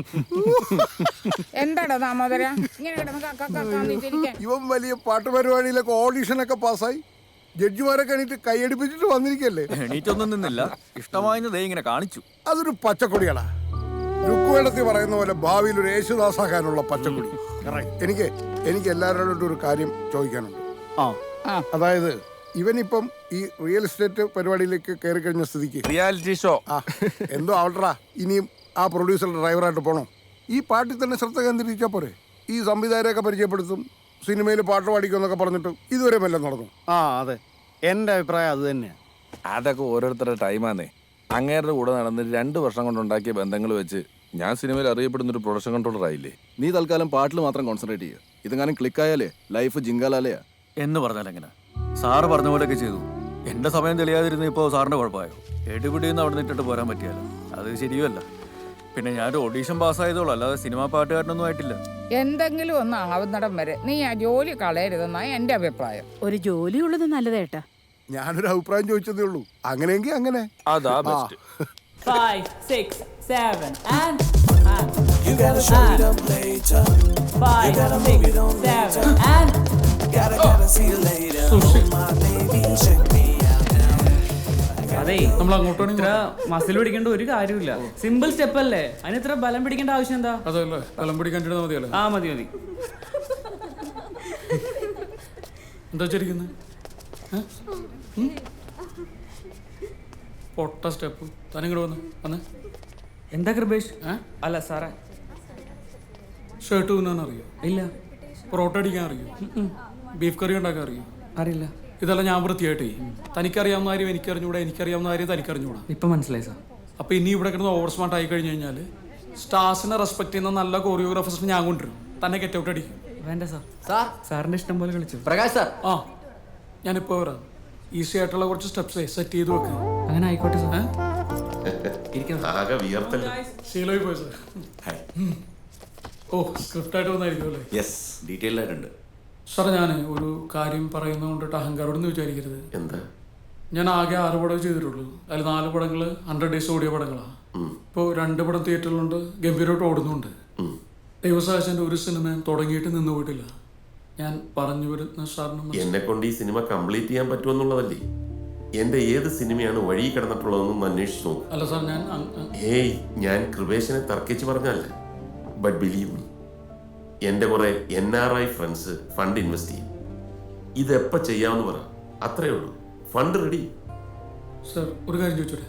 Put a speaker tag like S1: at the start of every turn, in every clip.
S1: എന്താടാ ദാമോദര ഇങ്ങനെ കിടന്ന്
S2: ഇവൻ വലിയ പാട്ട് പരിപാടിയിലൊക്കെ ഓഡീഷനൊക്കെ പാസ്സായി ജഡ്ജിമാരൊക്കെ എണീറ്റ് കൈയടിപ്പിച്ചിട്ട് വന്നിരിക്കല്ലേ.
S3: എണീറ്റൊന്നും നിന്നില്ല, ഇഷ്ടമായെന്ന് ഇങ്ങനെ കാണിച്ചു.
S2: അതൊരു പച്ചക്കൊടിയാടാ. രുക്കുവേടത്തിൽ പറയുന്ന പോലെ ഭാവിയിൽ ഒരു യേശുദാസാക്കാനുള്ള പച്ചക്കൊടി. എനിക്ക് എല്ലാവരോടും ഒരു കാര്യം ചോദിക്കാനുണ്ട്. അതായത് ഇവനിപ്പം ഈ റിയൽ എസ്റ്റേറ്റ് പരിപാടിയിലേക്ക് കയറി കഴിഞ്ഞ സ്ഥിതിക്ക്
S3: റിയാലിറ്റി ഷോ
S2: എന്തോ ആവട്ടെടാ, ഇനിയും ആ പ്രൊഡ്യൂസറുടെ ഡ്രൈവറായിട്ട് പോണോ? ഈ പാട്ടിൽ തന്നെ ശ്രദ്ധ കേന്ദ്രീകരിച്ചാൽ പോരെ? ഈ സംവിധായകരെയൊക്കെ പരിചയപ്പെടുത്തും, സിനിമയിൽ പാട്ട് പാടിക്കുമെന്നൊക്കെ പറഞ്ഞിട്ട് ഇതുവരെ വല്ലതും നടന്നു?
S4: അതെ, എൻ്റെ അഭിപ്രായം അത് തന്നെയാണ്.
S3: അതൊക്കെ ഓരോരുത്തരുടെ ടൈമാന്നേ. അങ്ങേരുടെ കൂടെ നടന്ന് 2 വർഷം കൊണ്ടുണ്ടാക്കിയ ബന്ധങ്ങൾ വെച്ച് ഞാൻ സിനിമയിൽ അറിയപ്പെടുന്ന ഒരു പ്രൊഡക്ഷൻ കൺട്രോളർ ആയില്ലേ.
S4: നീ തൽക്കാലം പാട്ടിൽ മാത്രം കോൺസെൻട്രേറ്റ് ചെയ്യുക. ഇതെങ്ങാനും ക്ലിക്കായാലേ ലൈഫ് ജിങ്കാലാലയാ.
S3: എന്ന് പറഞ്ഞാൽ എങ്ങനെ? സാറ് പറഞ്ഞ പോലെയൊക്കെ ചെയ്തു. എന്റെ സമയം തെളിയാതിരുന്ന ഇപ്പോൾ സാറിന്റെ കുഴപ്പമായോ? എടുപിടിന്ന് അവിടെ നിന്നിട്ട് പോരാൻ പറ്റിയല്ലോ, അത് ശരിയല്ല. പിന്നെ ഞാനൊരു ഓഡീഷൻ പാസ്സായതോളൂ, അല്ലാതെ സിനിമാ പാട്ടുകാരനൊന്നും ആയിട്ടില്ല.
S1: എന്തെങ്കിലും ഒന്ന് ആവുന്നിടം വരെ നീ ആ ജോലി കളയരുതെന്നാണ് എന്റെ അഭിപ്രായം.
S5: ഒരു ജോലി ഉള്ളത് നല്ലതേട്ടാ.
S2: ഞാനൊരു അഭിപ്രായം ചോദിച്ചതേ ഉള്ളൂ. അങ്ങനെയെങ്കിൽ അങ്ങനെ.
S3: അതാ best.
S6: 5, 6, 7 and
S7: You gotta show it up later.
S6: 5, 6, 7 and
S7: Gotta see you later. My baby, check me out now.
S6: അതെ, നമ്മൾ അങ്ങോട്ട് ഇത്ര മസിൽ പിടിക്കേണ്ട ഒരു കാര്യമില്ല. സിമ്പിൾ സ്റ്റെപ്പ് അല്ലേ, അതിന് ഇത്ര ബലം പിടിക്കേണ്ട ആവശ്യം എന്താ?
S8: അതല്ലേ, ബലം പിടിക്കാൻ മതിയല്ലോ.
S6: മതി മതി.
S8: എന്താ വെച്ചിരിക്കുന്നത്? പൊട്ട സ്റ്റെപ്പ്. തനിങ്ങോട്ട് വന്ന്
S6: എന്താ കൃപേഷ്? അല്ല സാറേ,
S8: ഷർട്ട് തുന്നാൻ അറിയോ?
S6: ഇല്ല.
S8: പൊറോട്ട അടിക്കാൻ അറിയോ? ബീഫ് കറി ഉണ്ടാക്കാൻ അറിയോ?
S6: അറിയില്ല.
S8: ഇതെല്ലാം ഞാൻ വൃത്തിയായിട്ടേ. തനിക്കറിയാവുന്ന കാര്യം എനിക്കറിഞ്ഞൂടാ, എനിക്കറിയാവുന്ന കാര്യം തനിക്കറിഞ്ഞൂടാ.
S6: ഇപ്പൊ മനസ്സിലായി സാർ.
S8: അപ്പൊ ഇനി ഇവിടെ കിടന്ന് ഓവർ സ്മാർട്ട് ആയി കഴിഞ്ഞു കഴിഞ്ഞാൽ സ്റ്റാർസിനെ റെസ്പെക്ട് ചെയ്യുന്ന നല്ല കോറിയോഗ്രാഫേഴ്സിനെ ഞാൻ കൊണ്ടുവരും. തന്നെ ഗെറ്റ് ഔട്ട് അടിക്കും.
S6: വേണ്ട സാർ. സാറിന്റെ ഇഷ്ടം പോലെ കളിച്ചു.
S4: പ്രകാശ് സാർ,
S8: ഞാനിപ്പോ വരാം. ഈസി ആയിട്ടുള്ള കുറച്ച് സ്റ്റെപ്സ് സെറ്റ് ചെയ്ത് വെക്കാം.
S6: അങ്ങനെ ആയിക്കോട്ടെ സാർ.
S8: ശീലമായി പോയി സാർ. ഓ, സ്ക്രിപ്റ്റ് ആയിട്ട് വന്നായിരിക്കും അല്ലേ?
S9: യെസ്, ഡീറ്റെയിൽഡ് ആയിട്ടുണ്ട്.
S8: സാർ, ഞാൻ ഒരു കാര്യം പറയുന്നത് കൊണ്ടിട്ട് അഹങ്കാരോടൊന്നും വിചാരിക്കരുത്.
S9: എന്താ?
S8: ഞാൻ ആകെ 6 പടം ചെയ്തിട്ടുള്ളൂ. അതിൽ 4 പടങ്ങൾ 100 ഡേയ്സ് ഓടിയ പടങ്ങളാണ്. ഇപ്പോൾ 2 പടം തിയേറ്ററിലുണ്ട്, ഗംഭീരമായിട്ട് ഓടുന്നുണ്ട്. ദൈവസാഹചന്റെ ഒരു സിനിമയും തുടങ്ങിയിട്ട് നിന്ന് പോയിട്ടില്ല. ഞാൻ പറഞ്ഞു വരുന്ന സാറിന്
S9: എന്നെ കൊണ്ട് ഈ സിനിമ കംപ്ലീറ്റ് ചെയ്യാൻ പറ്റുമെന്നുള്ളതല്ലേ? എന്റെ ഏത് സിനിമയാണ് വഴി കിടന്നിട്ടുള്ളതെന്നും അന്വേഷിച്ചു നോക്കും.
S8: അല്ല സാർ,
S9: ഞാൻ കൃപേശനെ തർക്കിച്ച് പറഞ്ഞല്ല. ബട്ട് ബിലീവ് മീ, എൻ്റെ കുറെ NRI ഫ്രണ്ട്സ് ഫണ്ട് ഇൻവെസ്റ്റ് ചെയ്യും. ഇതെപ്പോൾ ചെയ്യാമെന്ന് പറ, അത്രേ ഉള്ളൂ. Fund ready.
S8: സാർ, ഒരു കാര്യം ചോദിച്ചോട്ടെ?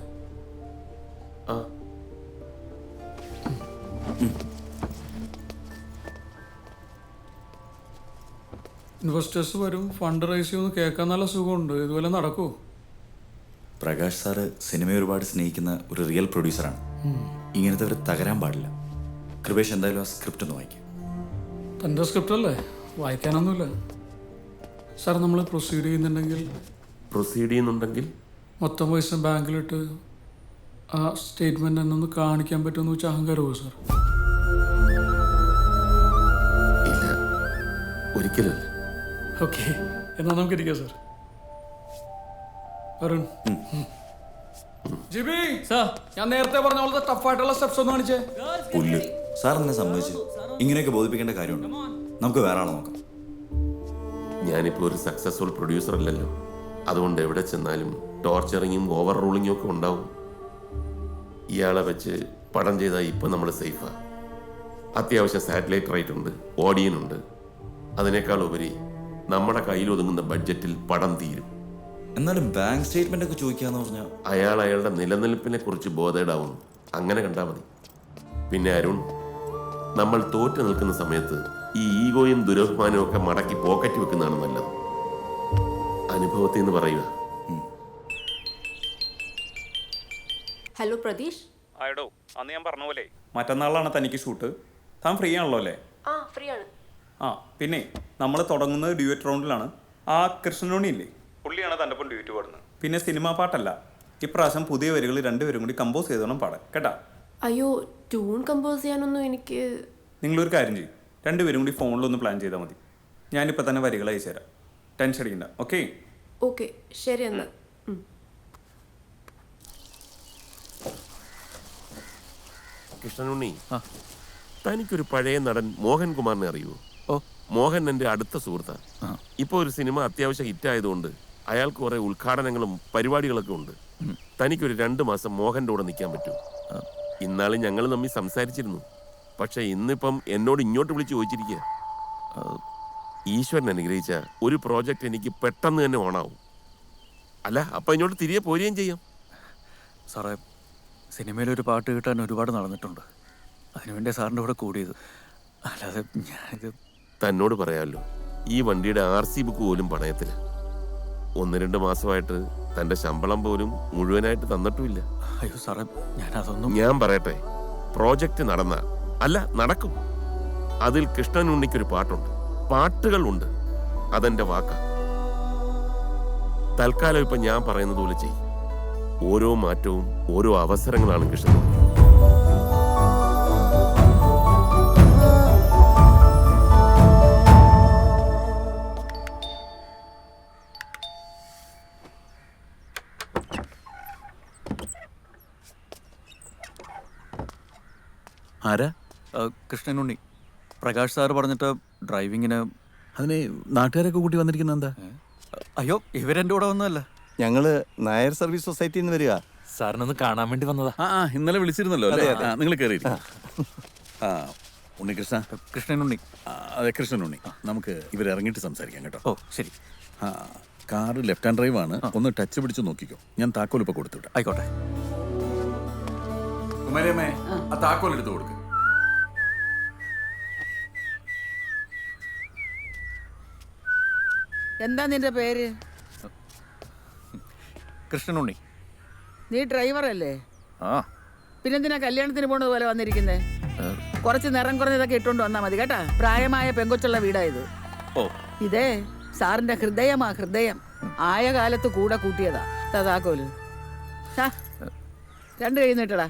S8: ഇൻവെസ്റ്റേഴ്സ് വരും, ഫണ്ട് റൈസ് ചെയ്യുമെന്ന് കേൾക്കാൻ നല്ല സുഖമുണ്ട്. ഇതുപോലെ നടക്കുമോ?
S9: പ്രകാശ് സാറ് സിനിമയെ ഒരുപാട് സ്നേഹിക്കുന്ന ഒരു റിയൽ പ്രൊഡ്യൂസറാണ്. ഇങ്ങനത്തെ ഒരു തകരാൻ പാടില്ല. കൃപേഷ് എന്തായാലും ആ സ്ക്രിപ്റ്റ് ഒന്ന് വായിക്കും.
S8: തൻ്റെ സ്ക്രിപ്റ്റ് അല്ലേ, വായിക്കാനൊന്നുമില്ല. സാർ, നമ്മൾ പ്രൊസീഡ് ചെയ്യുന്നുണ്ടെങ്കിൽ മൊത്തം പൈസ ബാങ്കിലിട്ട് ആ സ്റ്റേറ്റ്മെന്റ് എന്നൊന്ന് കാണിക്കാൻ പറ്റുമെന്ന് വെച്ചാൽ അഹങ്കാരമോ സാർ?
S9: ഇല്ല, ഒരിക്കലും.
S8: ഓക്കെ, എന്നാൽ നമുക്ക് ഇരിക്കാം സാർ. അരുൺ, ജിബി സാർ, ഞാൻ നേരത്തെ പറഞ്ഞ പോലത്തെ ടഫായിട്ടുള്ള സ്റ്റെപ്സ് ഒന്ന് കാണിച്ചേ.
S9: പുല്ല് സാർ എന്നെ സമ്മതിച്ചു. ഇങ്ങനെയൊക്കെ ബോധിപ്പിക്കേണ്ട കാര്യമുണ്ട്. നമുക്ക് വേറെ ആളെ നോക്കാം. ഞാനിപ്പോൾ ഒരു സക്സസ്ഫുൾ പ്രൊഡ്യൂസർ അല്ലല്ലോ. അതുകൊണ്ട് എവിടെ ചെന്നാലും ടോർച്ചറിങ്ങും ഓവർ റൂളിങ്ങും ഒക്കെ ഉണ്ടാവും. ഇയാളെ വെച്ച് പടം ചെയ്താൽ ഇപ്പം നമ്മൾ സേഫാണ്. അത്യാവശ്യം സാറ്റലൈറ്റ് റൈറ്റ് ഉണ്ട്, ഓഡിയനുണ്ട്. അതിനേക്കാൾ ഉപരി നമ്മുടെ കയ്യിൽ ഒതുങ്ങുന്ന ബഡ്ജറ്റിൽ പടം തീരും.
S10: എന്നാലും ബാങ്ക് സ്റ്റേറ്റ്മെന്റ് ഒക്കെ ചോദിക്കാന്ന് പറഞ്ഞാൽ
S9: അയാളുടെ നിലനിൽപ്പിനെ കുറിച്ച് ബോധേഡാവുന്നു. അങ്ങനെ കണ്ടാൽ മതി. പിന്നെ അരുൺ, നമ്മൾ തോറ്റു നിൽക്കുന്ന സമയത്ത് ഈ ഈഗോയും ദുരഭിമാനവും ഒക്കെ മടക്കി പോക്കറ്റ് വെക്കുന്നതാണ് നല്ലത്. അനുഭവത്തിൽ നിന്ന് പറയുക.
S11: ഹലോ പ്രതീഷ്.
S3: ആയിടോ, അന്ന് ഞാൻ പറഞ്ഞ പോലെ മറ്റന്നാളാണ് തനിക്ക് ഷൂട്ട്. താൻ ഫ്രീ ആണല്ലോ അല്ലേ?
S11: ഫ്രീ ആണ്.
S3: പിന്നെ നമ്മൾ തുടങ്ങുന്നത് ഡ്യൂറ്റ് റൗണ്ടിലാണ്. ആ കൃഷ്ണനോണി ഇല്ലേ, പുള്ളിയാണ് തൻ്റെ ഒപ്പം ഡ്യൂറ്റ് പാടുന്നത്. പിന്നെ സിനിമാ പാട്ടല്ല, ഇപ്രാവശ്യം പുതിയ വരികൾ 2 പേരും കൂടി കമ്പോസ് ചെയ്തോണം പാടാൻ, കേട്ടാ?
S11: അയ്യോ, ട്യൂൺ കമ്പോസ് ചെയ്യാനൊന്നും എനിക്ക്.
S3: നിങ്ങളൊരു കാര്യം ചെയ്യും, 2 പേരും കൂടി ഫോണിലൊന്ന് പ്ലാൻ ചെയ്താൽ മതി. ഞാനിപ്പോൾ തന്നെ വരികൾ അയച്ചു തരാം, ടെൻഷൻ അടിക്കണ്ട. ഓക്കെ
S11: ഓക്കെ, ശരി എന്നാൽ.
S9: കൃഷ്ണനുണ്ണി, തനിക്കൊരു പഴയ നടൻ മോഹൻകുമാറിനെ അറിയുമോ?
S3: ഓ,
S9: മോഹൻ എൻ്റെ അടുത്ത സുഹൃത്താണ്. ഇപ്പോൾ ഒരു സിനിമ അത്യാവശ്യം ഹിറ്റായതുകൊണ്ട് അയാൾക്ക് കുറേ ഉദ്ഘാടനങ്ങളും പരിപാടികളൊക്കെ ഉണ്ട്. തനിക്കൊരു 2 മാസം മോഹൻ്റെ കൂടെ നിൽക്കാൻ പറ്റുമോ? ഇന്നാളും ഞങ്ങൾ തമ്മിൽ സംസാരിച്ചിരുന്നു. പക്ഷെ ഇന്നിപ്പം എന്നോട് ഇങ്ങോട്ട് വിളിച്ച് ചോദിച്ചിരിക്കുക. ഈശ്വരൻ അനുഗ്രഹിച്ച ഒരു പ്രോജക്റ്റ് എനിക്ക് പെട്ടെന്ന് തന്നെ ഓണാവും. അല്ല, അപ്പം ഇങ്ങോട്ട് തിരികെ പോരുകയും ചെയ്യാം.
S3: സാറേ, സിനിമയിലൊരു പാട്ട് കിട്ടാൻ ഒരുപാട് നടന്നിട്ടുണ്ട്. അതിനുവേണ്ടി സാറിൻ്റെ കൂടെ കൂടിയത്. അല്ലാതെ ഞാനിത്
S9: തന്നോട് പറയാമല്ലോ, ഈ വണ്ടിയുടെ RC ബുക്ക് പോലും പണയത്തില്ല. 1-2 മാസമായിട്ട് തൻ്റെ ശമ്പളം പോലും മുഴുവനായിട്ട് തന്നിട്ടുമില്ല.
S3: അയ്യോ സാറേ, ഞാനതൊന്നും.
S9: ഞാൻ പറയട്ടെ, പ്രോജക്റ്റ് നടക്കും. അതിൽ കൃഷ്ണൻ ഉണ്ണിക്കൊരു പാട്ടുണ്ട്, പാട്ടുകളുണ്ട്. അതെന്റെ വാക്കാ. തൽക്കാലം ഇപ്പൊ ഞാൻ പറയുന്നത് പോലെ ചെയ്യും. ഓരോ മാറ്റവും ഓരോ അവസരങ്ങളാണ് കൃഷ്ണൻ.
S3: ആരാ? കൃഷ്ണനുണ്ണി. പ്രകാശ് സാറ് പറഞ്ഞിട്ട് ഡ്രൈവിങ്ങിന്.
S4: അതിന് നാട്ടുകാരൊക്കെ കൂട്ടി വന്നിരിക്കുന്ന എന്താ?
S3: അയ്യോ, ഇവരെൻ്റെ കൂടെ ഒന്നുമല്ല.
S12: ഞങ്ങള് നായർ സർവീസ് സൊസൈറ്റിയിൽ നിന്ന് വരിക.
S6: സാറിനൊന്ന് കാണാൻ വേണ്ടി വന്നതാ.
S4: ഇന്നലെ വിളിച്ചിരുന്നല്ലോ അല്ലേ? നിങ്ങൾ കയറിയിരിക്കും. ഉണ്ണികൃഷ്ണ.
S3: കൃഷ്ണനുണ്ണി.
S4: അതെ, കൃഷ്ണനുണ്ണി. നമുക്ക് ഇവരിറങ്ങിയിട്ട് സംസാരിക്കാം കേട്ടോ.
S3: ഓ ശരി.
S4: കാറ് ലെഫ്റ്റ് ഹാൻഡ് ഡ്രൈവ് ആണ്. ഒന്ന് ടച്ച് പിടിച്ച് നോക്കിക്കോ. ഞാൻ താക്കോൽ ഇപ്പൊ കൊടുത്തുവിടാം.
S3: ആയിക്കോട്ടെ.
S4: കുമാരിയമ്മേ, ആ താക്കോൽ എടുത്ത് കൊടുക്ക്.
S5: എന്താ നിന്റെ പേര്?
S3: കൃഷ്ണനുണ്ണി.
S5: നീ ഡ്രൈവറല്ലേ?
S3: ആ.
S5: പിന്നെന്തിനാ കല്യാണത്തിന് പോണത് പോലെ വന്നിരിക്കുന്നേ? കുറച്ച് നിറം കുറഞ്ഞതൊക്കെ ഇട്ടുകൊണ്ട് വന്നാ മതി കേട്ടാ. പ്രായമായ പെങ്കൊച്ചുള്ള വീടായത്.
S3: ഓ,
S5: ഇതേ സാറിന്റെ ഹൃദയമാ, ഹൃദയം. ആയ കാലത്ത് കൂടെ കൂട്ടിയതാ. താക്കോല് 2 കൈ നീട്ടടാ.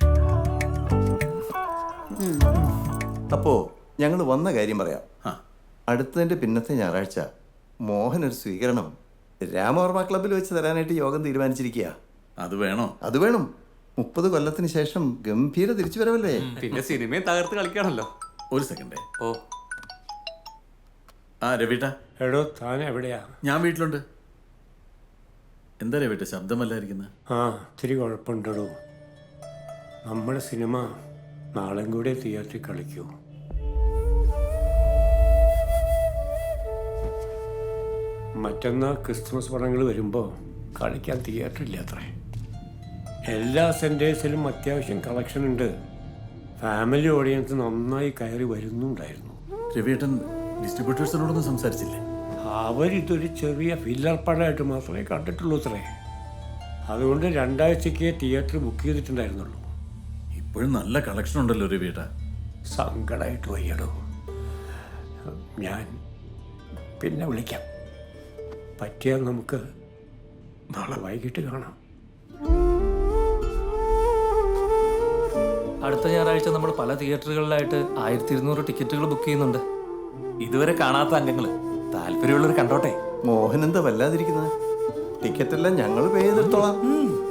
S12: അപ്പോ ഞങ്ങൾ വന്ന കാര്യം പറയാം. അടുത്തതിന്റെ പിന്നത്തെ ഞായറാഴ്ച മോഹൻ ഒരു സ്വീകരണം രാമവർമ്മ ക്ലബ്ബിൽ വെച്ച് തരാനായിട്ട് യോഗം തീരുമാനിച്ചിരിക്കുക.
S4: അത് വേണോ?
S12: അത് വേണം. 30 കൊല്ലത്തിന് ശേഷം ഗംഭീര തിരിച്ചു വരവല്ലേ.
S6: പിന്നെ സിനിമയും തകർത്ത് കളിക്കാണല്ലോ.
S4: ഒരു സെക്കൻഡ്.
S6: ഓ,
S4: രവിട്ട.
S13: എടോ, താൻ എവിടെയാ?
S4: ഞാൻ വീട്ടിലുണ്ട്. എന്താ രവിട്ട ശബ്ദമല്ലായിരിക്കുന്നത്?
S13: ഇത്തിരി കുഴപ്പമുണ്ടോ. നമ്മുടെ സിനിമ നാളെയും കൂടെ തിയേറ്ററിൽ കളിക്കൂ. മറ്റന്നാൾ ക്രിസ്മസ് പടങ്ങൾ വരുമ്പോൾ കളിക്കാൻ തിയേറ്ററില്ല അത്രേ. എല്ലാ സെൻറ്റേഴ്സിലും അത്യാവശ്യം കളക്ഷൻ ഉണ്ട്. ഫാമിലി ഓഡിയൻസ് നന്നായി കയറി വരുന്നുണ്ടായിരുന്നു.
S4: രവിയേട്ടൻ ഡിസ്ട്രിബ്യൂട്ടേഴ്സിനോടൊന്നും സംസാരിച്ചില്ലേ?
S13: അവരിതൊരു ചെറിയ ഫില്ലർ പടമായിട്ട് മാത്രമേ കണ്ടിട്ടുള്ളൂ അത്രേ. അതുകൊണ്ട് 2 ആഴ്ചയ്ക്ക് തിയേറ്റർ ബുക്ക് ചെയ്തിട്ടുണ്ടായിരുന്നുള്ളൂ.
S4: ഇപ്പോഴും നല്ല കളക്ഷൻ ഉണ്ടല്ലോ രവിയേട്ട.
S13: സങ്കടമായിട്ട് വയ്യടോ. ഞാൻ പിന്നെ വിളിക്കാം. പറ്റിയാൽ നമുക്ക് നാളെ വൈകിട്ട് കാണാം.
S6: അടുത്ത ഞായറാഴ്ച നമ്മൾ പല തിയേറ്ററുകളിലായിട്ട് 1200 ടിക്കറ്റുകൾ ബുക്ക് ചെയ്യുന്നുണ്ട്. ഇതുവരെ കാണാത്ത അംഗങ്ങൾ താല്പര്യമുള്ളവർ കണ്ടോട്ടെ.
S12: മോഹൻ എന്താ വല്ലാതിരിക്കുന്നത്? ടിക്കറ്റ് എല്ലാം ഞങ്ങൾ പേ ചെയ്തെടുത്തോളാം.